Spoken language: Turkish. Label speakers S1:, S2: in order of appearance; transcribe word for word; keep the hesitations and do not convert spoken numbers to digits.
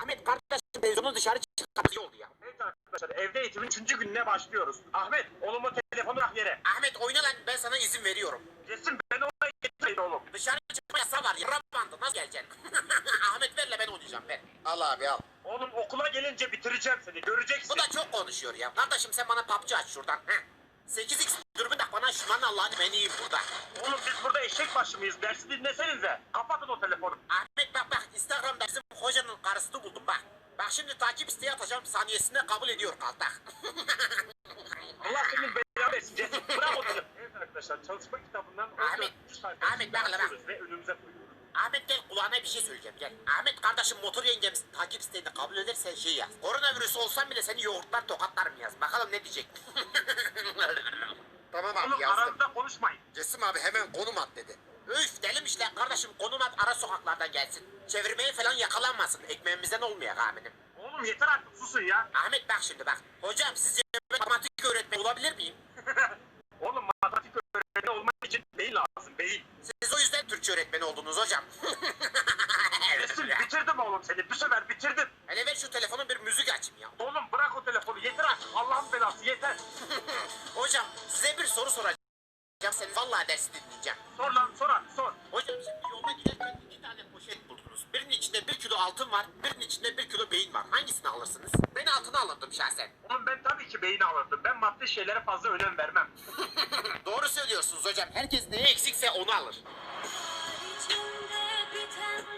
S1: Ahmet kardeşim televizyonu dışarı çıkartıyor oldu ya.
S2: Evet arkadaşlar, evde eğitimin üçüncü gününe başlıyoruz. Ahmet, oğlumu telefonu bırak yere.
S1: Ahmet oyna lan, ben sana izin veriyorum.
S2: Resim ben oraya getireyim oğlum.
S1: Dışarı çıkma yasağı var ya. Bandı nasıl geleceksin? Ahmet verle, ben oynayacağım, ver. Al abi al.
S2: Oğlum okula gelince bitireceğim seni, göreceksin.
S1: Bu da çok konuşuyor ya. Kardeşim sen bana P U B G aç şuradan. Heh. sekiz x dürbün tak bana, şunların Allah'ını ben yiyeyim burada.
S2: Oğlum biz burada eşek başı mıyız? Dersi dinlesenize. Kapatın o telefonu.
S1: Ahmet bak bak, Instagram'da bizim hocanın karısını buldum bak. Bak şimdi takip isteği atacağım, saniyesinde kabul ediyor kaltak.
S2: Allah senin belanı versin. Resim bırak o telefonu. Evet arkadaşlar, çalışma kitabından
S1: Ahmet, Ahmet bak hele bak.
S2: ve önümüze koyuyoruz.
S1: Ahmet gel, kulağına bir şey söyleyeceğim gel. Ahmet kardeşim motor yengemiz takip isteğini kabul ederse şey yaz. Koronavirüs olsam bile seni yoğurtlar tokatlarım yaz. Bakalım ne diyecek. Tamam abi
S2: Oğlum
S1: yazdım.
S2: aranızda konuşmayın.
S1: Cesim abi hemen konum at dedi. Üf delimişler kardeşim, konum at, ara sokaklardan gelsin. Çevirmeye falan yakalanmasın, ekmeğimizden olmayak aminim.
S2: Oğlum yeter artık, susun ya.
S1: Ahmet bak şimdi bak. Hocam sizce matematik öğretmeni olabilir miyim?
S2: Oğlum matematik öğretmeni olmak için beyin lazım, beyin.
S1: Siz o yüzden Türkçe öğretmeni oldunuz hocam.
S2: Resim bitirdim oğlum seni, bir sefer bitirdim.
S1: Hele ver şu telefonu, bir müzik açayım ya.
S2: Oğlum bırak o telefonu, yeter artık. Allah'ın belası yeter.
S1: Hocam size bir soru soracağım. Seni vallahi dersi dinleyeceğim.
S2: Sor lan, sor abi, sor.
S1: Hocam şimdi yolda giderken iki tane poşet buldunuz. Birinin içinde bir kilo altın var, birinin içinde bir kilo beyin var. Hangisini alırsınız? Ben altını alırdım şahsen.
S2: Oğlum ben tabii ki beyni alırdım. Ben maddi şeylere fazla önem vermem.
S1: Doğru söylüyorsunuz hocam. Herkes neye eksikse onu alır.